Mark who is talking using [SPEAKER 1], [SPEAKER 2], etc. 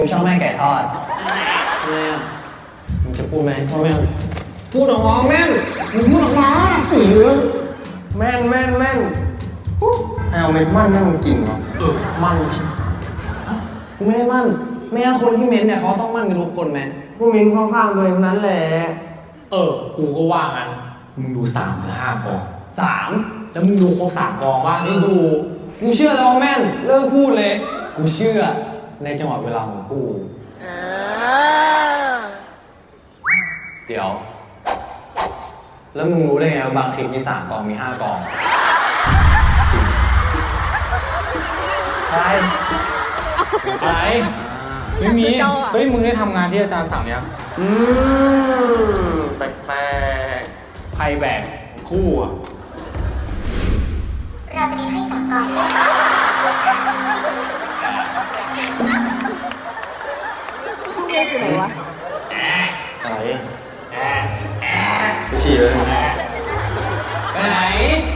[SPEAKER 1] ผมชอบแม่ไก่ทอดแม่มึงจะพูดไหมพ่อแม่พูดออกมาแม่มึงพูดออกมา
[SPEAKER 2] แม่นเอาเม็ดมันนั่งกินเหรอมันชิ
[SPEAKER 1] กูไม่ได้มั่นไม่งั้นคนที่เม้นเนี่ยเขาต้องมั่นกันทุกคนไหม
[SPEAKER 2] ผู้มินข้างๆตัวเองนั้นแหละ
[SPEAKER 3] กูก็ว่างั้นมึงดู3 หรือ 5 กอง
[SPEAKER 1] 3
[SPEAKER 3] แล้วมึงดูครบ3 กองว่า
[SPEAKER 1] นี่ดูกูเชื่อแล้วว่าแม่นเลิกพูดเลยกูเชื่อในจังหวะเวลาของกูเดี๋ยวแล้วมึงรู้ได้ไงว่าบางคลิปมี3 กองมี 5 กอง
[SPEAKER 3] อะไรไม่มีเฮ้ยมึงได้ทำงานที่อาจารย์สั่งยัง
[SPEAKER 2] แปลก
[SPEAKER 3] ใครแบกคู่อ่ะ
[SPEAKER 4] เราจะมีให้3 กองที่คุณรู้สึกว่า
[SPEAKER 5] เรียกอยู่ไหนวะ
[SPEAKER 2] ๆอะไรไปฉี่เลย
[SPEAKER 1] ไปไหน